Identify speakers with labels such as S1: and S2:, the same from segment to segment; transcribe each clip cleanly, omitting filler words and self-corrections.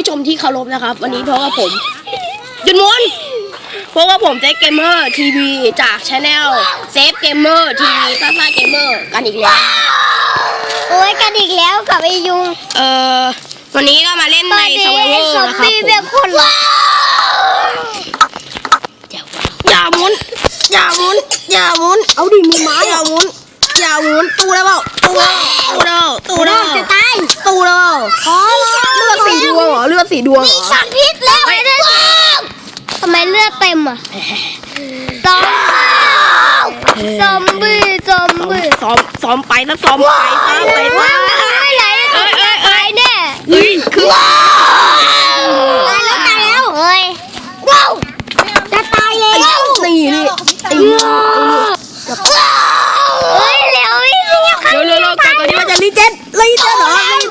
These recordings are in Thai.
S1: ชมที่เคารพนะครับวันนี้เพราะว่าผมจุนมุนเพราะว่าผมเซฟเกมเมอร์ทีวีจากช anel เซฟเกมเมอร์ทีวีซ่าเกมเมอร์กันอีกแล้ว
S2: โอ้ยกันอีกแล้วกับไอยุง
S1: วันนี้ก็มาเล่นใน survival นะครับผม
S2: เป็นคนหรอ
S1: อย่าหมุนเอาดิมีไม้อย่าหมุนตู้แล้วเปล่าตู้แล้ว
S2: จะตาย
S1: ตู้แล้วเลือดสีดวงเหรอ
S2: มีสารพิษแล้วทำไมเลือดเต็มอ่ะซอมบี้
S1: ซ้อมไปซะ
S2: ตายแน่
S1: คือ
S2: ตายแล้วเฮ้ยว้าวจะตายแล้ว
S1: นี่เ
S2: ร็วก่อน
S1: ที่มันจะรีเจนเหรอ
S2: เร็ว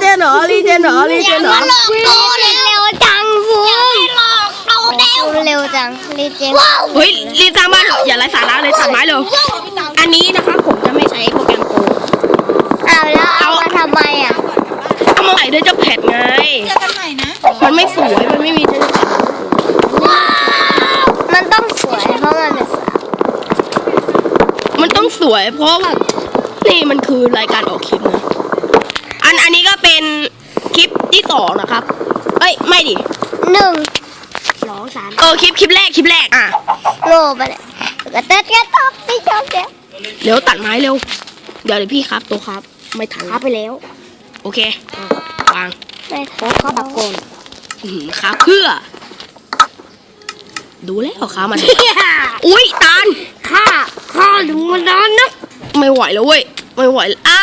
S2: จังฟูเร็วจังรีเจน
S1: เฮ้ยรีบสร้างบ้านเหรออย่าไร้สาระเลยตัดไม้เลยอันนี้นะครับผมจะไม่ใช้โปรแกรมโกง
S2: แล้วเอามาทำไมอ่ะ
S1: เอามาใส่ด้วยเจ้าแพดไงมันไม่สวยมันไม่มีเจ้าแพด
S2: มันต้องสวยเพราะ
S1: มันต้องสวยเพราะว่านี่มันคือรายการออกคลิปนะอันนี้ก็เป็นคลิปที่2นะครับเอ้ยไม่ดิ
S2: 1 2 3
S1: คลิปแรกอ่ะ
S2: โลไปเลยกระเต๊ดไม่ชอบ
S1: เดี๋ยวตัดไม้เร็วเดี๋ยวพี่ครับตัวครับไม่ทัน
S2: ครับไปแล้ว
S1: โอเควาง
S2: ไม่ครับตะโกน
S1: ครับเพื่อดูแล้วขามันอุ้ยตาล
S2: ข้าดูมันนานนะ
S1: ไม่ไหวแล้วเว้ยไม่ไหว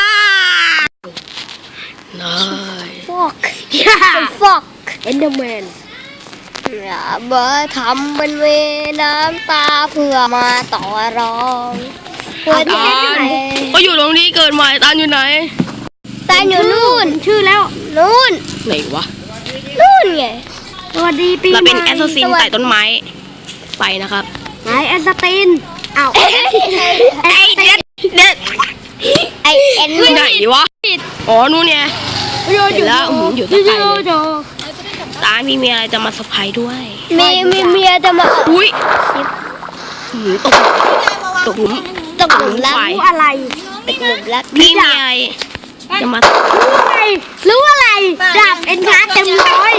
S1: น้อย
S2: ฟอกเอนเดอร์แมนอย่าเบอร์ทำเป็นเวน้ำตาเพื่อมาต่อรองเพื่อที่ไหน
S1: ก็อยู่ตรงนี้เกิดใหม่ตาลอยู่ไหน
S2: ตาลอยู่นู่นชื่อแล้วนู่น
S1: ไหนวะ
S2: นู่นไงสวัสดีปี
S1: เราเป็นแอสซัสซินไต่ต้นไม้ไปนะครับ
S2: ไหนแอสซัสซินอ้าว
S1: ไอเอ็นไหนวะอ๋อนู่นเนี่ยเห็นแล้วอยู่ตะไคร้ตามีอะไรจะมาเซอร์ไพรส์ด้วย
S2: มีเมียจะมา
S1: อุ้ยตกหลุม
S2: รักอะไรตกหลุมรัก
S1: พี่มีอะไรจะมา
S2: รู้อะไรดาบเอ็นชาร์เต็มร้อย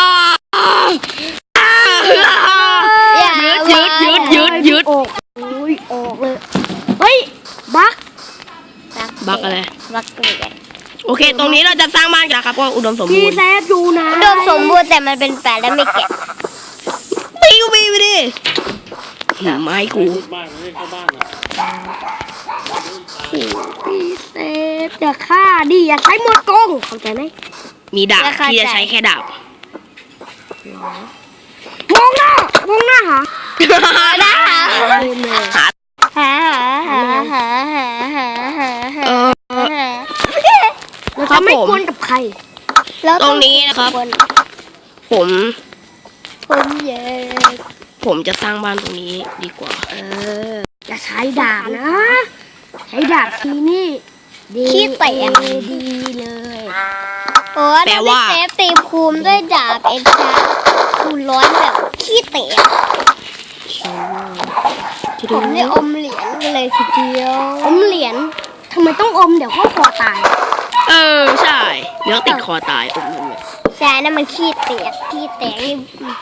S1: ยืด
S2: ออกเลยเฮ้ยบัก
S1: อะไร
S2: บักเลย
S1: โอเคตรงนี้เราจะสร้างบ้านกันครับก็อุดมสมบูรณ์
S2: พี่แซ่ดูนะอุดมสมบูรณ์แต่มันเป็นแฝดและไม่แกะ
S1: ปีไปดิไม้กู
S2: พี่เซฟอย่าฆ่าดิอย่าใช้หมดกงเข้าใจไหม
S1: มีดาบที่จะใช้แค่ดาบ
S2: มองหน้าหา
S1: ครับ
S2: ไม่กวนกับใคร
S1: ตรงนี้นะครับผมจะสร้างบ้านตรงนี้ดีกว่า
S2: จะใช้ดาบนะใช้ดาบทีนี่ขี้เตะดีเลยแปลว่าเซฟตีภูมิด้วยดาบเอ็นชาคูณร้อนแบบขี้เตะผมได้อมเหรียญเลยทีเดียวอมเหรียญทำไมต้องอมเดี๋ยวก็คอตาย
S1: ใช่เดี๋ยวติดคอตายอมเลย
S2: ใช่นั่นมันขี้เตะนี่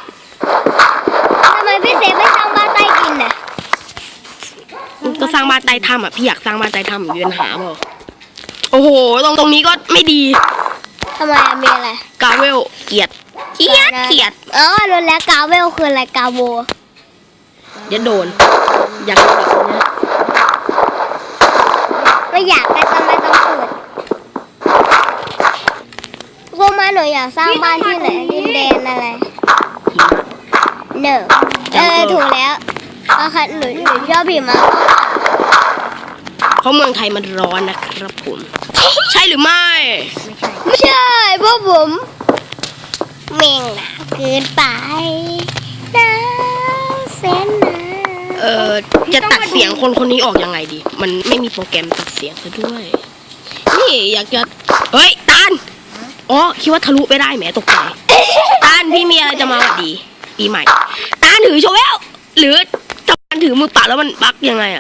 S2: ทำไมพี่เซฟไม่สร้างบ้านใต้ดินน่ะ
S1: ก็สร้างบ้านใต้ถ้ำอ่ะพี่อยากสร้างบ้านใต้ถ้ำอยู่ปัญหาเปล่าโอ้โหตรงนี้ก็ไม่ดี
S2: ทำไมมีอะไร
S1: กาเวลเกียด
S2: รู้แล้วกาเวลคืออะไรกาโว
S1: เดี๋ยวโดนอยากโดนอีกนะ
S2: ไม่อยากแต่ทำไมต้องพูดพวกมาหนูอยากสร้างบ้านที่ไหนดินแดนอะไรถูกแล้วค่ะหนูชอบหิมะ
S1: เพราะเมืองไทยมันร้อนนะครับผมใช่หรือไม่
S2: ใช่เพราะผมเม่งหนาเกินไปนะเซนนะ
S1: จะตัดเสียงคนนี้ออกยังไงดีมันไม่มีโปรแกรมตัดเสียงซะด้วยนี่อยากจะเฮ้ยตาลคิดว่าทะลุไปได้แหมตกใจตาลพี่มีอะไรจะมาหวัดดีปีใหม่ตาถือโชว์แล้วหรือตาถือมือเปล่าแล้วมันบั๊กยังไงอะ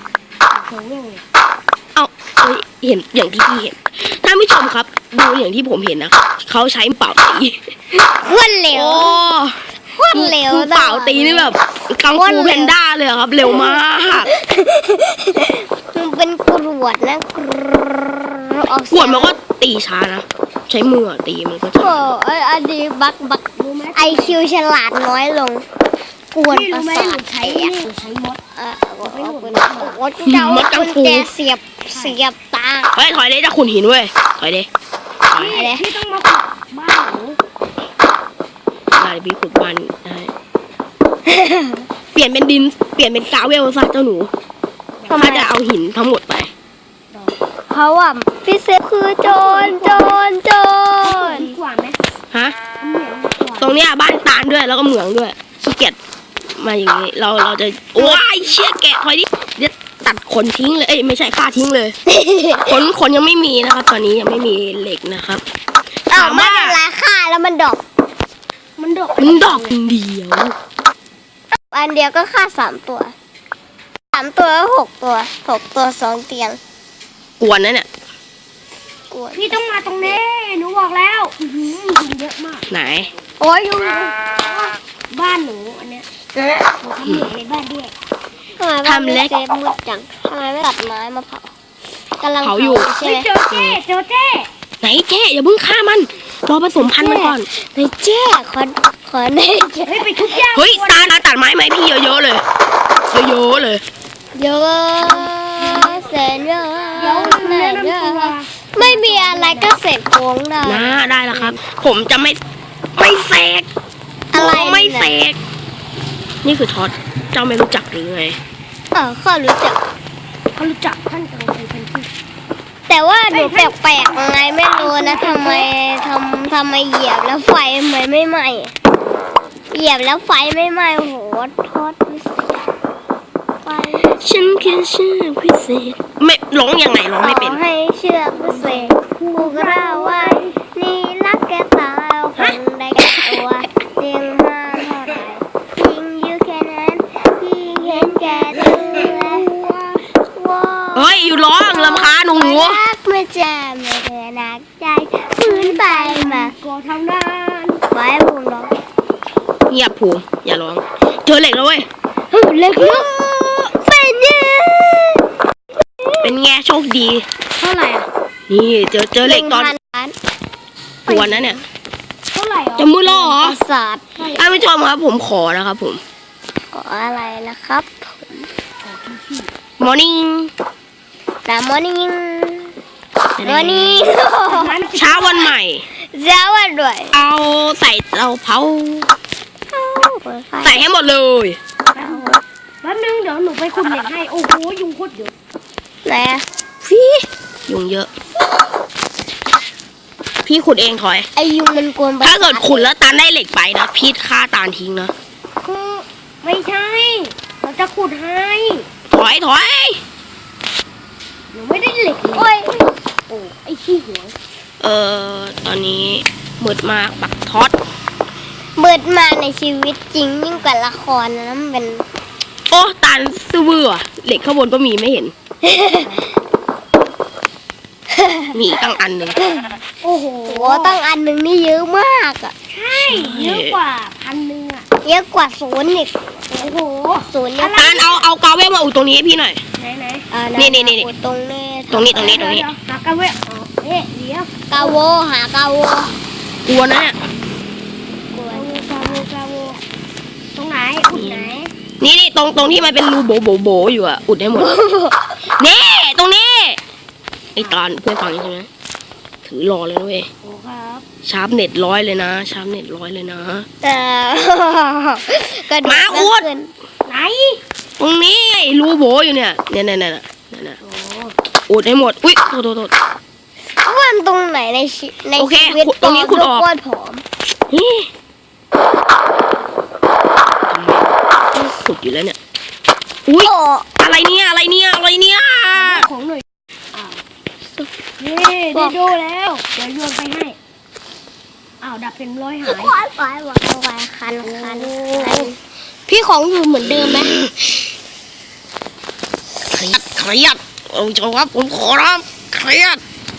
S1: เอาเฮ้ยเห็นอย่างที่พี่เห็นท่านผู้ชมครับดูอย่างที่ผมเห็นนะครับเขาใช้มือเปล่าตี
S2: โคตรเร็ว
S1: โอ้
S2: โคตรเร็ว
S1: มือเปล่าตีนี่แบบกังฟูแพนด้าเลยอะครับ เร็วมาก
S2: มันเป็นกรวดนะออก
S1: กวดมันก็ตีช้านะใช้มือตีมันก็จะ
S2: โอ้อันนี้บักไอคิวฉลาดน้อยลงกวนประสาทแตก
S3: ใช้มด
S2: โอ้เจ้ากุญแจเสียบตา
S1: เฮ้ยถอยเลยจะขุนหินเว้ยถอยเลยถอย
S2: อะไร
S3: พี่ต้องมาขุดบ้านหนู
S1: ได้พี่ขุดบ้านได้เปลี่ยนเป็นดินเปลี่ยนเป็นกาเวลซะเจ้าหนูถ้าจะเอาหินทั้งหมดไป
S2: เพราะว่าพี่เซฟคือโจร
S3: ดีกว่าไหม
S1: ฮะ
S3: เหมือนดีกว่า
S1: ตรงเนี้ยบ้านตาลด้วยแล้วก็เหมืองด้วยขี้เกียจมาอย่างนี้เราจะว้ายเชี่ยแกะถอยดิเดี๋ยวตัดขนทิ้งเลยเอ้ยไม่ใช่ฆ่าทิ้งเลย ขนยังไม่มีนะครับตอนนี้ยังไม่มีเหล็กนะครับ
S2: อ้าวไม่เป็นไรค่าแล้วมันดอก
S3: มันดก
S1: มันดอกเดียว
S2: อันเดียวก็ค่า3 ตัว6 ตัว6 ตัว2 เตียง
S1: กวนนะเนี่ย
S2: กวน
S3: พี่ต้องมาตรงนี้หนูบอกแล้วยุงเยอะมาก
S1: ไหน
S2: โอ้ยยุง
S3: บ้านหนูอันเนี้ยหนูทำเหมือนในบ้านด้วย
S2: ทำไมบ้านพี่เซฟมืดจังทำไมไม่ตัดไม้มาเผากำลัง
S1: เผาอยู่
S2: ใช่
S3: เฮ้ย
S2: ไหม
S3: เจอเจ้
S1: ไหนเจ๊อย่าเพิ่งฆ่ามันรอผสมพันธุ์มันก่อน
S2: ในแจ้ขอใน
S3: เฮ้ยไปทุบย่าง
S1: เฮ้ยตาตัดไม้ไหมพี่เยอะๆเลยเยอะๆเลย
S2: เยอะแสนเยอะ
S3: เดี๋ยว
S2: แส
S3: แนะ
S2: นเย
S3: นำตัว
S2: อะไม่มีอะไรก็เสร็จโค้งได้
S1: นะได้แล้วครับ ผมจะไม่เสก
S2: อะไร
S1: ไม่เส
S2: เนี่ย
S1: กนี่คือท็อตเจ้าไม่รู้จักหรือไง
S2: ข้ารู้จัก
S3: เขารู้จักท่านตรงเป็นที่
S2: แต่ว่าหนูแปลกๆไงไม่รู้นะทำไมเหยียบแล้วไฟมันไม่ไหม้เหยียบแล้วไฟไม่ไหม้โอ้โหทอดพิเศษไฟ
S1: ฉันคือชื่อพิเศษไม่ร้องยังไงร้องไม่เป็น
S2: ขอให้เชือกพิเศษผูกเราไว้นี่รักแกตายคนได้แก่ตัวเตียงห้ามเท่าไหร่ยิงอยู่แค่นั้นยิงเห็นแก่ตัวว้าว
S1: เฮ้ยอยู่ร้องลำคาญหนู
S2: รักเมื่อเจอไม่เธอหนักใจพื้นไปมา
S3: ก่อทำงาน
S2: ไว้ผมร้อง
S1: เงียบผูอย่าร้องเจอเหล็กแล้วเว้ย
S2: เล็กมากเป็นยัง
S1: เป็นไงโชคดี
S3: เท่าไหร่อ่ะ
S1: นี่เจอเหล็กตอน
S2: 1,000 ล้าน
S1: กวนนะเนี่ย
S3: เท่าไหร่อ่ะ
S1: จะมือล่อเหรอ
S2: ประสาท
S1: ท่านผู้ชมครับผมขอนะครับผม
S2: ขออะไรนะครับ
S1: morning
S2: นามอนิ่งมอนิ่ง
S1: เช้าวันใหม่
S2: เจ้าวันด้วย
S1: เอาใส่เตาเผาใส่ให้หมดเลย
S3: แป๊บนึงเดี๋ยวหนูไปขุดเหล็กให้โอ้โหยุงโคตรเยอะ
S2: ไหนอะ
S1: พี่ยุงเยอะ พี่ขุดเองถอย
S2: ไอยุงมันกวนประส
S1: ถ้าเกิดขุดแล้วตาลได้เหล็กไปนะพี่ฆ่าตาลทิ้งนะ
S3: คือไม่ใช่เราจะขุดให้
S1: ถอย
S3: หนูไม่ได้เหล็กเลย
S2: โอ้ย
S3: โอ้ไอ้ขี้หัว
S1: ตอนนี้มืดมากปักท็อต
S2: เบิดมาในชีวิตจริงยิ่งกว่าละครนะมันเป็น
S1: โอ้ตาลซื่อเบื่อเหล็กข้างบนก็มีไม่เห็น มีอีกตั้งอันหนึ่ง
S3: โอ้โห
S2: โอ้ตั้งอันหนึ่งนี่เยอะมากอะ
S3: ใช่เยอะกว่า1,000อ่ะ
S2: เยอะกว่า0อีก
S3: โอ้โห
S2: 0เยอะ
S1: ตาลเอากาเวลมาอุดตรงนี้ให้พี่หน่อย
S3: ไหน
S1: นี่
S2: อุดตรงนี้
S1: ตรงนี้
S3: เดี๋ยวหากันเว้ยอ๋อเอ๊ะเดี๋ยว
S2: กาโวหากาโว
S1: กลัวนะเนี่ย
S2: กวน
S3: กาโวตรงไหนอุดไหน
S1: นี่ตรงที่มันเป็นรูโบอยู่อะอุดให้หมด นี่ตรงนี้ไอ้ตาลเพื่อนฟังใช่ไหมถือรอเลยนะเว้ย
S3: โอ้ครับ
S1: ชาร์ปเน็ต100เลยนะชาร์ปเน็ต100เลยนะ
S2: แต่กระดูก
S1: มาอุด
S2: ขึ้น
S3: ไหน
S1: ตรงนี้ไอ้รูโบอยู่เนี่ยเนี่ย
S3: โอ้
S1: อุดให้หมดอุ้ยโทษ
S2: อ้วนตรงไหนใน
S1: โอเค
S2: ชีวิต
S1: ตรงนี้ขุดออก
S2: อ้วนผอม
S1: นี่ขุดอยู่แล้วเนี่ยอุ้ย
S2: โอ้
S1: อะไรเนี่ย
S3: ของหน่อยอ้าวนี่ได้ดูแล้วเดี๋ยวโยนไปให้อ้าวดับเป็นร้อยหาย
S2: ปล่อยคันพี่ของอยู่เหมือนเดิมไหม
S1: เครียดเอาจครับผมขอรับเครียด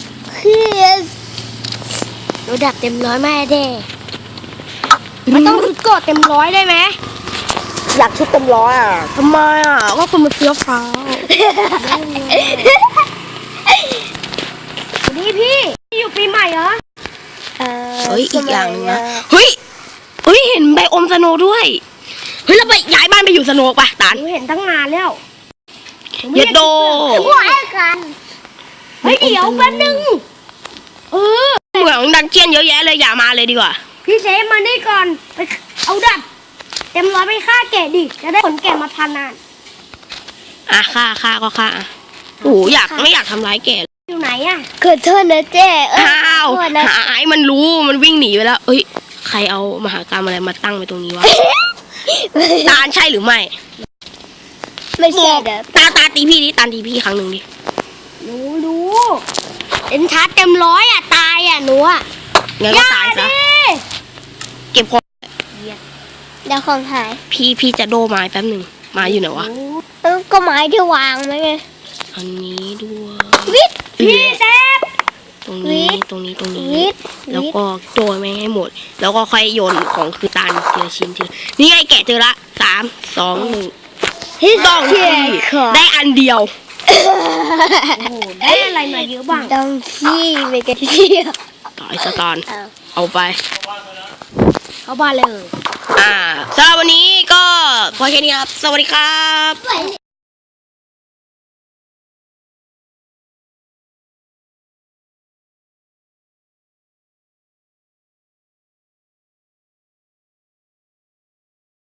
S2: หนูดับเต็มร้อยไม่ได้มันต้องกดเต็มร้อยได้ไหม
S1: อยากชุดเต็มร้อยอ่ะทำไมอ่ะก็คุณมาเฟี้ยวฟ้าว
S3: นี่พี่อยู่ปีใหม่เหรอ
S1: เฮ้ยอีกอย่างหนึงนะเฮ้ยเห็นไบโอมสโนว์ด้วยเฮ้ยเราไปย้ายบ้านไปอยู่สโนว์ป่ะตาล
S3: หนูเห็นตั้งนานแล้ว
S1: เยดโด
S2: หัวกัน
S3: เฮ้ยเดี๋ยวแป๊บนึง
S1: เหมืองดันเจียนเยอะแยะเลยอย่ามาเลยดีกว่า
S3: พี่เซฟมานี่ก่อนไปเอาดับเต็มร้อยไปฆ่าแกะดิจะได้ขนแกะมาพันนาน
S1: อ่ะฆ่าก็ฆ่าอ่ะโอ้โหไม่อยากทำร้ายแก
S3: อยู่ไหนอะ
S2: เกิดโทษนะเจ๊
S1: อ้าว
S2: ขอโทษนะ
S1: หายมันรู้มันวิ่งหนีไปแล้วเอ้ยใครเอามหากรรมอะไรมาตั้งไว้ตรงนี้วะ ตาลใช่หรือไม่
S2: ไม่ใช่เด้อ
S1: ตาตีพี่ดิตาตีพี่ครั้งหนึ่งดิ
S3: รู้
S2: เอ็นชาร์จเต็มร้อยอ่ะตายอ่ะหนูอ่ะ
S1: งั้นก็ตายซะเก็บของ
S2: เดี๋ยวของหาย
S1: พี่จะโดไม้แป๊บหนึ่งไม้อยู่ไหนวะ
S2: ก็ไม้ที่วางไหมไง
S1: อันนี้ด้วย
S2: วิท
S3: พี่เซฟ
S1: ตรงนี้
S2: วิท
S1: ตรงนี้
S2: วิท
S1: แล้วก็โดยไม่ให้หมด แล้วก็ค่อยโยนของคือตาลทีละชิ้นนี่ไงแกะเจอละ3 2 1
S2: ที่
S1: ต้องที่ได้อันเดียว
S3: โอ้โหได้อะไรมาเยอะบ้าง
S2: ต้องขี้ไปกันเที่ยว
S1: ต่อไอ้สตอนเอาไป
S3: เข้าบ้านเลย
S1: สำหรับวันนี้ก็พอแค่นี้ครับ สวัสดีครับ